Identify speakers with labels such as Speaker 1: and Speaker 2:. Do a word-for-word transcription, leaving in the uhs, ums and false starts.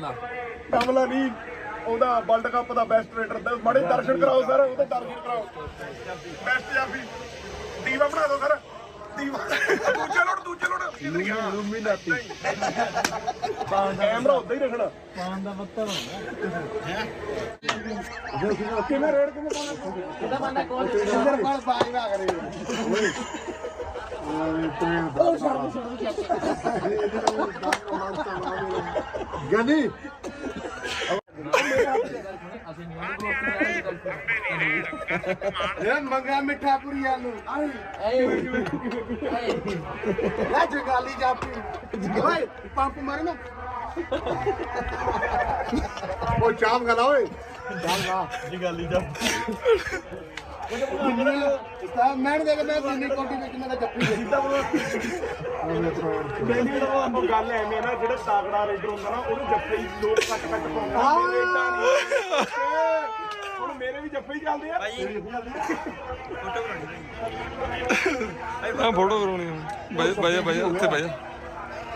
Speaker 1: ਕਮਲਾ ਨਹੀਂ ਉਹਦਾ world cup ਦਾ ਬੈਸਟ ਰੇਡਰ ਮਾੜੇ ਦਰਸ਼ਨ ਕਰਾਓ ਸਰ ਉਹਦੇ ਦਰਸ਼ਨ ਕਰਾਓ ਬੈਸਟ ਪੰਜਾਬੀ ਦੀਵਾ ਬਣਾ ਦਿਓ ਸਰ ਦੀਵਾ ਦੂਜੇ ਲੋੜ ਦੂਜੇ ਲੋੜ ਕਿੱਧਰ ਗਿਆ ਰੂਮੀ ਨਾਤੀ ਕੈਮਰਾ ਉੱਧਰ ਹੀ ਰੱਖਣਾ ਪਾਣ ਦਾ ਪੱਤਾ ਹੁੰਦਾ ਕਿਵੇਂ ਰੇਡ ਕਿਵੇਂ ਪਾਣਾ ਇਹਦਾ ਬੰਦਾ ਕੋਲ ਇੱਧਰ ਕੋਲ ਬਾਜ ਨਾ ਕਰੇ ਉਹ ਛੱਡ ਗਨੀ ਮੰਗਾ ਮਿੱਠਾ ਪੁਰੀ ਆਲੂ ਲੈ ਜਗਾਲੀ ਜਾਪੀ ਓਏ ਪੰਪ ਮਾਰੇ ਨਾ ਉਹ ਚਾਪ ਖਲਾ ਓਏ ਚਾਪ ਖਾ ਜਗਾਲੀ ਜਾਪੀ ਮੈਂ ਦੇਖ ਮੈਂ ਜਿੰਨੀ ਕੋਟੀ ਵਿੱਚ ਮੇਰਾ ਜੱਫੀ ਸਿੱਧਾ ਮੈਨੂੰ ਤਾਂ ਉਹ ਗੱਲ ਐਵੇਂ ਨਾ ਜਿਹੜਾ ਤਾਕੜਾ ਰੇਡਰ ਹੁੰਦਾ ਨਾ ਉਹਨੂੰ ਜੱਫੇ ਹੀ ਲੋਕ ਕੱਟ ਕੱਟ ਪਾਉਂਦੇ ਹੁਣ ਮੇਰੇ ਵੀ ਜੱਫੇ ਹੀ ਚੱਲਦੇ ਆ
Speaker 2: ਫੋਟੋ ਕਰਾਉਣੀ ਫੋਟੋ ਕਰਾਉਣੀ ਬਾਈ ਬਾਈ ਉੱਥੇ ਬਾਈ